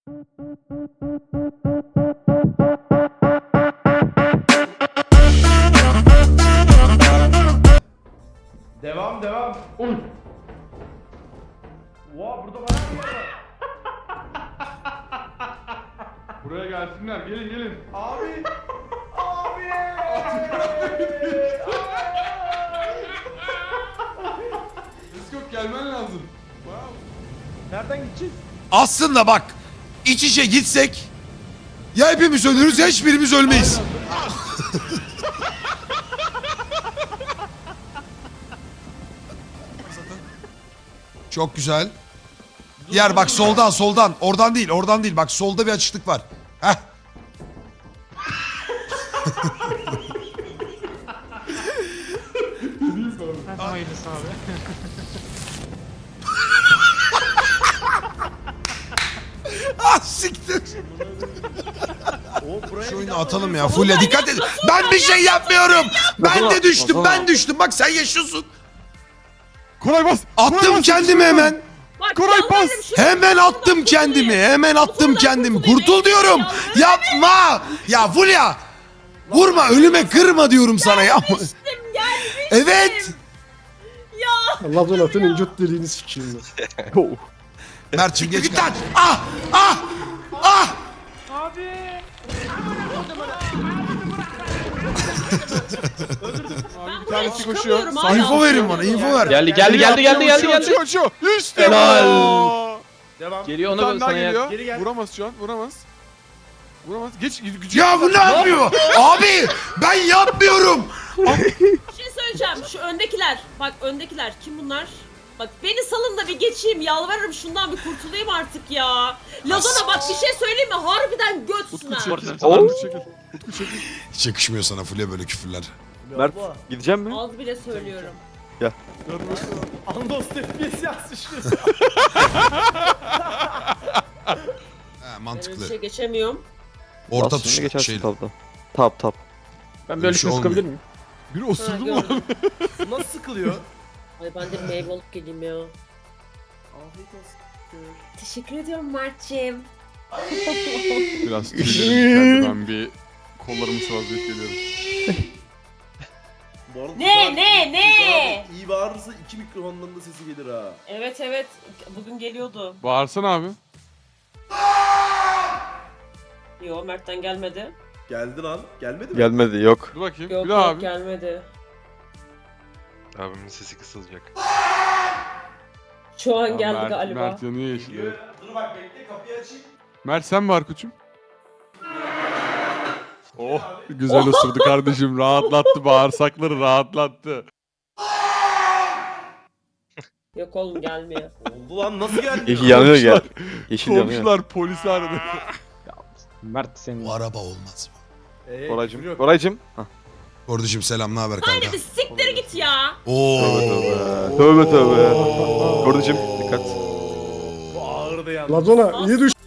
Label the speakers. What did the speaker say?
Speaker 1: Devam devam. Oha burada bayağı bir yer var.
Speaker 2: Buraya gelsinler. Gelin gelin.
Speaker 1: Abi. Abi.
Speaker 2: Discord gelmen lazım.
Speaker 1: Nereden gideceğiz?
Speaker 3: Aslında bak, iç içe gitsek ya hepimiz ölürüz ya hiçbirimiz ölmeyiz. Çok güzel. Diğer bak soldan. Oradan değil. Bak solda bir açıklık var. Heh.
Speaker 4: Hayırlısı abi.
Speaker 3: Ah siktir.
Speaker 1: O buraya
Speaker 3: Şu oyunu
Speaker 1: bir daha
Speaker 3: atalım
Speaker 1: var.
Speaker 3: ya. Fulya dikkat edin. Ben bir şey yapmıyorum. Ben düştüm. Bak sen yaşıyorsun.
Speaker 2: Koray bas.
Speaker 3: Attım kendimi hemen.
Speaker 5: Bak,
Speaker 2: Koray,
Speaker 5: yalvarırım,
Speaker 2: bas!
Speaker 5: şunu
Speaker 3: Hemen
Speaker 5: şuradan
Speaker 3: attım kendimi.
Speaker 5: kurtulayım.
Speaker 3: Hemen attım
Speaker 5: Şuradan
Speaker 3: kendimi.
Speaker 5: kurtulayım,
Speaker 3: Kurtul diyorum.
Speaker 5: yalvarırım.
Speaker 3: Yapma. Ya Fulya. Vurma ölüme kırma diyorum sana ya.
Speaker 5: Gelmiştim.
Speaker 3: Evet.
Speaker 5: Ya.
Speaker 6: Allah donatın incot deliğini sikeyim ben.
Speaker 3: Mert'cim geç git lan. Ah. Ah. Ah.
Speaker 5: Ben
Speaker 2: Bir tanesi
Speaker 5: buraya
Speaker 2: koşuyor.
Speaker 5: çıkamıyorum hala.
Speaker 3: Info verin bana. Info ver.
Speaker 2: Geldi. Uçuyor. İşte
Speaker 4: Helal.
Speaker 2: bu.
Speaker 1: Devam.
Speaker 4: Geliyor
Speaker 2: Bir
Speaker 4: ona
Speaker 2: tane
Speaker 4: böyle
Speaker 2: daha
Speaker 4: sana
Speaker 2: geliyor.
Speaker 1: Geri gel.
Speaker 2: Vuramaz şu an. Vuramaz. Geç gücü.
Speaker 3: Ya bu ne yapıyor? Abi ben yapmıyorum.
Speaker 5: Bir şey söyleyeceğim. Şu öndekiler. Bak öndekiler. Kim bunlar? Bak beni salın da bir geçeyim. Yalvarırım şundan bir kurtulayım artık ya. Lazona bak bir şey söyleyeyim mi? Harbiden götsün ha.
Speaker 2: Utku çekil. Utku çekil.
Speaker 3: Hiç yakışmıyor sana Fulya böyle küfürler.
Speaker 7: Mert gideceğim mi?
Speaker 5: Az bile söylüyorum.
Speaker 1: Andos FPS yazmış.
Speaker 3: Ha,
Speaker 5: Ben
Speaker 3: mantıklı.
Speaker 5: bir şey geçemiyorum.
Speaker 3: Orta
Speaker 7: Bas şimdi
Speaker 3: tuş
Speaker 7: geçersin
Speaker 3: şeyle.
Speaker 7: tabda. Tap.
Speaker 4: Ben
Speaker 3: Öyle
Speaker 4: böyle
Speaker 3: şey
Speaker 4: şunu
Speaker 3: olmuyor.
Speaker 4: sıkabilir miyim?
Speaker 2: Biri
Speaker 5: Ha,
Speaker 2: osurdu mu lan?
Speaker 5: gördüm.
Speaker 1: Nasıl sıkılıyor?
Speaker 5: Ay ben de meyve alıp geleyim ya.
Speaker 1: Afiyet olsun.
Speaker 5: Teşekkür ediyorum Mert'ciğim.
Speaker 2: Biraz tüylerim içeride. Ben bir kollarımı sıvazlayıp geliyorum.
Speaker 1: Bu arada
Speaker 5: Ne,
Speaker 1: Furkan-
Speaker 5: ne, ne?
Speaker 1: Furkan abi iyi bağırırsa iki mikrofondan da sesi gelir ha.
Speaker 5: Evet. Bugün geliyordu.
Speaker 2: Bağırsana abi.
Speaker 5: Yo Mert'ten gelmedi.
Speaker 1: Geldi lan. Gelmedi mi?
Speaker 7: Gelmedi yok.
Speaker 2: Dur bakayım.
Speaker 5: Yok
Speaker 2: Bir daha
Speaker 5: yok
Speaker 2: abi.
Speaker 5: gelmedi.
Speaker 8: Abimin sesi kısılacak.
Speaker 5: Şu an
Speaker 2: Ya
Speaker 5: geldi
Speaker 2: Mert,
Speaker 5: galiba.
Speaker 2: Mert yanıyor yeşilde.
Speaker 1: Dur bak bekle kapıyı açayım.
Speaker 2: Mert sen var koçum. Oh güzel osurdu kardeşim. Rahatlattı bağırsakları rahatlattı.
Speaker 5: Yok oğlum gelmiyor.
Speaker 1: Oldu lan nasıl geldi?
Speaker 7: Yeşil yanıyor gel. Yeşil yanıyor.
Speaker 2: Komşular polisi aradı.
Speaker 4: Mert senin.
Speaker 3: Bu araba olmaz mı?
Speaker 1: Yok.
Speaker 7: Koraycım. Hah.
Speaker 3: Kardeşim selam, ne haber kanka?
Speaker 5: Hadi bir siktir git ya.
Speaker 3: Oo.
Speaker 7: Tövbe. Koraycım dikkat.
Speaker 1: Bu ağırdı yalnız.
Speaker 6: Lazona iyi düş.